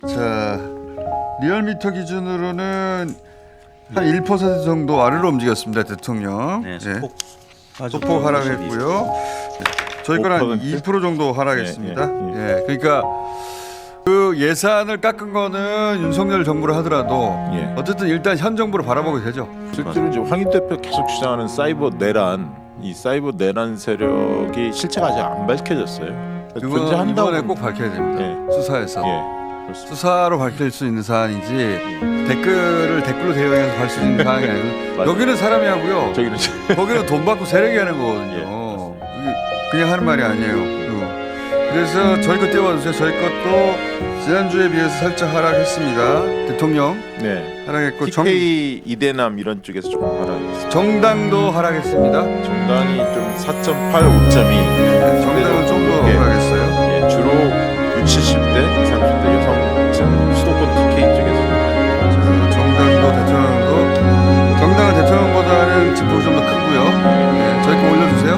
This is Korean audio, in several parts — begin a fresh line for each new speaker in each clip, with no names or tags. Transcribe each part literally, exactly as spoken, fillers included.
자, 리얼미터 기준으로는 한 일 퍼센트 정도 아래로 움직였습니다. 대통령.
네,
예.
소폭
소폭 하락했고요. 저희 거는 한 이 퍼센트 정도 하락했습니다.
예, 예,
예, 그러니까 그 예산을 깎은 거는 윤석열 정부를 하더라도
예.
어쨌든 일단 현 정부를 바라보게 되죠.
실제로 이제 황인 대표 계속 주장하는 사이버 내란, 이 사이버 내란 세력이 실체가 아직 안 밝혀졌어요.
그건
존재한다고
이번에 꼭 밝혀야 됩니다.
예.
수사에서.
예. 그렇습니다.
수사로 밝힐 수 있는 사안이지 댓글을 댓글로 대응해서 할 수 있는 사안이 아니고
맞아요.
여기는 사람이 하고요.
저기는
거기는 돈 받고 세력이 하는 거거든요. 이게 그냥 하는 말이 아니에요. 어. 그래서 저희 것 떼어주세요. 저희 것도 지난주에 비해서 살짝 하락했습니다. 대통령
네.
하락했고 정,
티케이 이대남 이런 쪽에서 조금 하락했습니다.
정당도 하락했습니다.
정당이 좀 사 점 팔, 오 점 이.
정당은 좀 더
예.
하락했어요.
예, 주로 육십, 칠십 대, 삼십 대 여성 수도권 티케이 쪽에서 좀 많이 하락했습니다.
정당도 대통령도 정당은 대통령보다는 지폭이 좀 더 크고요. 네, 저희 거 올려주세요.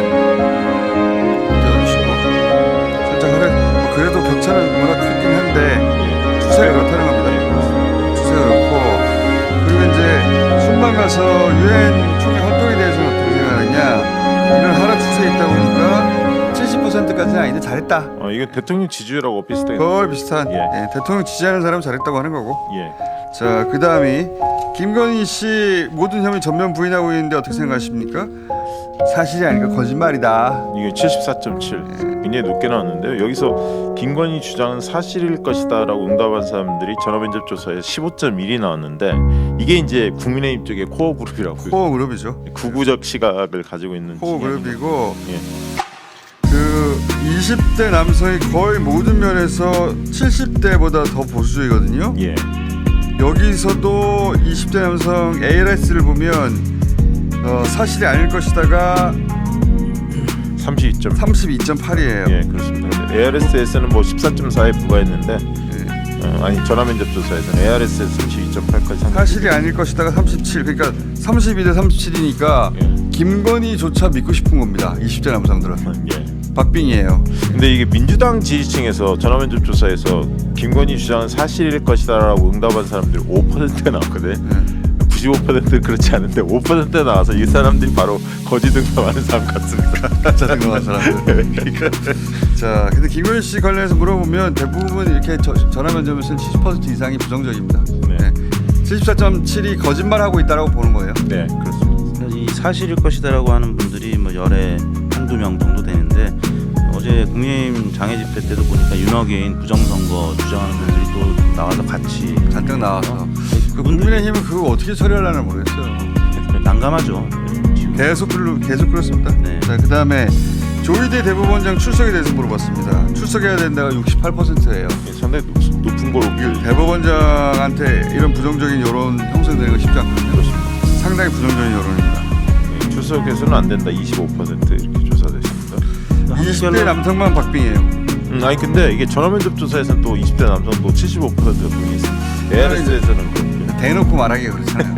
네. 띄워주시고 살짝 하락. 뭐 그래도 격차는 워낙 크긴 한데
예.
추세가 그렇다는 겁니다. 추세가 그렇고 그리고 이제 순방 가서 유엔 총회 활동에 대해서는 어떻게 생각하느냐. 이런 하락 추세에 있다 보니까 칠십 퍼센트까지는 아닌데 잘했다.
어, 이건 대통령 지지율하고 비슷하게.
거의 비슷한.
예.
예, 대통령 지지하는 사람 잘했다고 하는 거고.
예.
자, 그 다음이 김건희 씨 모든 혐의 전면 부인하고 있는데 어떻게 생각하십니까? 사실이 아니까 거짓말이다.
이게 칠십사 점 칠 굉장히 높게 나왔는데요. 여기서 김건희 주장은 사실일 것이다라고 응답한 사람들이 전화면접 조사에 십오 점 일이 나왔는데 이게 이제 국민의힘 쪽의 코어 그룹이라고요.
코어 그룹이죠.
구구적 시각을 가지고 있는
코어
진영입니다.
그룹이고
예.
그 이십 대 남성이 거의 모든 면에서 칠십 대보다 더 보수적이거든요.
예.
여기서도 이십 대 남성 에이알에스를 보면 어, 사실이 아닐 것이다가
삼십이 점
삼십이 점 팔이에요.
예, 그렇습니다. 에이알에스에서는 뭐 십사 점 사에 부과했는데
예.
어, 아니 전화면접 조사에서는 에이알에스에서 삼십이 점 팔까지
사실이 아닐 것이다가 삼십칠. 그러니까 삼십이 대 삼십칠이니까
예.
김건희조차 믿고 싶은 겁니다. 이십 대 남성들은.
예.
박빙이에요.
근데 이게 민주당 지지층에서 전화면접 조사에서 김건희 주장은 사실일 것이다라고 응답한 사람들이 오 퍼센트가 나왔거든.
네.
구십오 퍼센트 그렇지 않은데 오 퍼센트 나와서 이 사람들이 바로 거짓 응답하는 사람 같습니다.
가짜 등록한 사람들. 자, 근데 김건희 씨 관련해서 물어보면 대부분 이렇게 저, 전화 면접에서는 칠십 퍼센트 이상이 부정적입니다.
네.
네. 칠십사 점 칠이 거짓말하고 있다라고 보는 거예요.
네, 그렇습니다.
이 사실일 것이다라고 하는 분들이 뭐 열에 한두 명 정도 되는데 어제 국민의힘 장애 집회 때도 보니까 윤호개인 부정선거 주장하는 분들이 또 나와서 같이
잔뜩 나와서. 그
그분들이
국민의힘은 그거 어떻게 처리하려나 모르겠어요.
난감하죠.
계속 그러, 계속 그렇습니다.
네.
자, 그다음에 조희대 대법원장 출석에 대해서 물어봤습니다. 출석해야 된다가 육십팔 퍼센트예요.
예, 상당히 높, 높은 거로
이 대법원장한테 이런 부정적인 여론 형성되는 거 쉽지 않거든요.
그렇습니다.
상당히 부정적인 여론입니다.
예, 출석해서는 안 된다 이십오 퍼센트 이렇게 조사됐습니다.
이십 대 남성만 박빙이에요.
음, 아니 근데 이게 전화면접 조사에서는 또 이십 대 남성도 칠십오 퍼센트가 동의 있습니다. 에이알에스에서는 그렇고요.
대놓고 말하기가 그렇잖아요.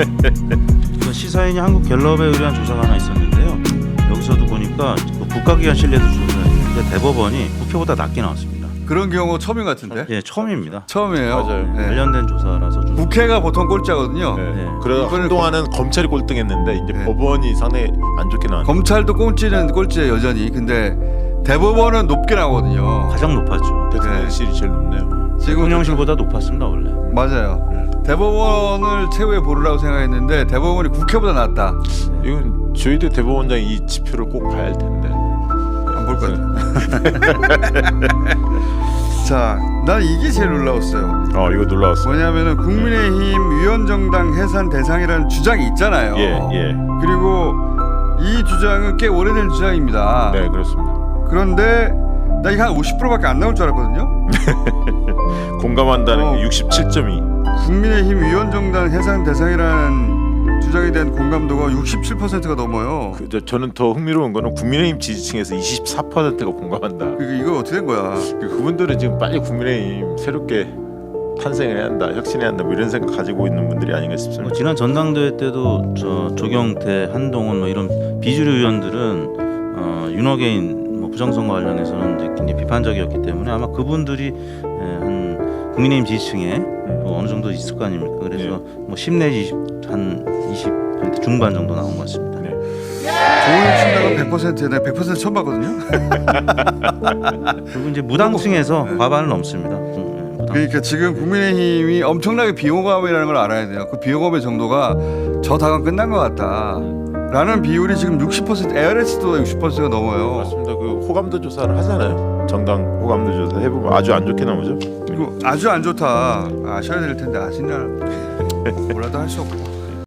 그 시사인이 한국갤럽에 의뢰한 조사가 하나 있었는데요. 여기서도 보니까 그 국가기관 신뢰도 조사했는데 대법원이 국회보다 낮게 나왔습니다.
그런 경우 처음인 것 같은데?
예, 처음입니다.
처음이에요.
맞아요.
네.
관련된 조사라서 좀
국회가 보통 꼴찌거든요.
네.
네.
그래
이번에
한동안은 검찰이 꼴등했는데 이제
네.
법원이 상당히 안 좋게 나왔는데
검찰도 꼴찌는 꼴찌예요 여전히. 근데 대법원은 높게 나오거든요.
가장 높았죠.
대통령실이 제일 높네요.
지금
대통령실보다 높았습니다 원래.
맞아요. 대법원을 최후에 보르라고 생각했는데 대법원이 국회보다 낫다.
이건 조희대 대법원장이 이 지표를 꼭 봐야 할 텐데.
안 볼 것 같아. 자, 난 이게 제일 놀라웠어요.
어 이거 놀라웠어.
뭐냐면은 국민의힘 위원정당 해산 대상이라는 주장이 있잖아요.
예 예.
그리고 이 주장은 꽤 오래된 주장입니다.
네 그렇습니다.
그런데 나 이게 한 오십 퍼센트밖에 안 나올 줄 알았거든요.
공감한다는
어.
게 육십칠 점 이.
국민의힘 위원정당 해산 대상이라는 주장에 대한 공감도가 육십칠 퍼센트가 넘어요.
그, 저, 저는 더 흥미로운 거는 국민의힘 지지층에서 이십사 퍼센트가 공감한다.
그 이거 어떻게 된 거야?
그, 그분들은 지금 빨리 국민의힘 새롭게 탄생을 해야 한다, 혁신해야 한다, 뭐 이런 생각 가지고 있는 분들이 아닌가
뭐
싶습니다.
지난 전당대회 때도 저 조경태, 한동훈 뭐 이런 비주류 의원들은 어, 윤호개인 뭐 부정선거 관련해서는 이제 굉장히 비판적이었기 때문에 아마 그분들이 예, 한 국민의힘 지지층에 또 어느 정도 있을 거 아닙니까? 그래서
네.
뭐 십 내지 이십, 한 이십 퍼센트 중반 정도 나온 것 같습니다.
네.
조은혁 신당은 백 퍼센트에 내가 백 퍼센트 처음 봤거든요.
그리고 이제 무당층에서
네.
과반을 넘습니다. 음, 네, 무당.
그러니까 지금 국민의힘이 엄청나게 비호감이라는 걸 알아야 돼요. 그 비호감의 정도가 저 당은 끝난 것 같다. 라는 비율이 지금 육십 퍼센트, 에이알에스도 육십 퍼센트가 넘어요.
맞습니다. 그 호감도 조사를 하잖아요. 정당 호감도 조사 해보면 아주 안 좋게 나오죠.
그리고 아주 안 좋다 아셔야 될 텐데 아시나 몰라도 할 수 없고.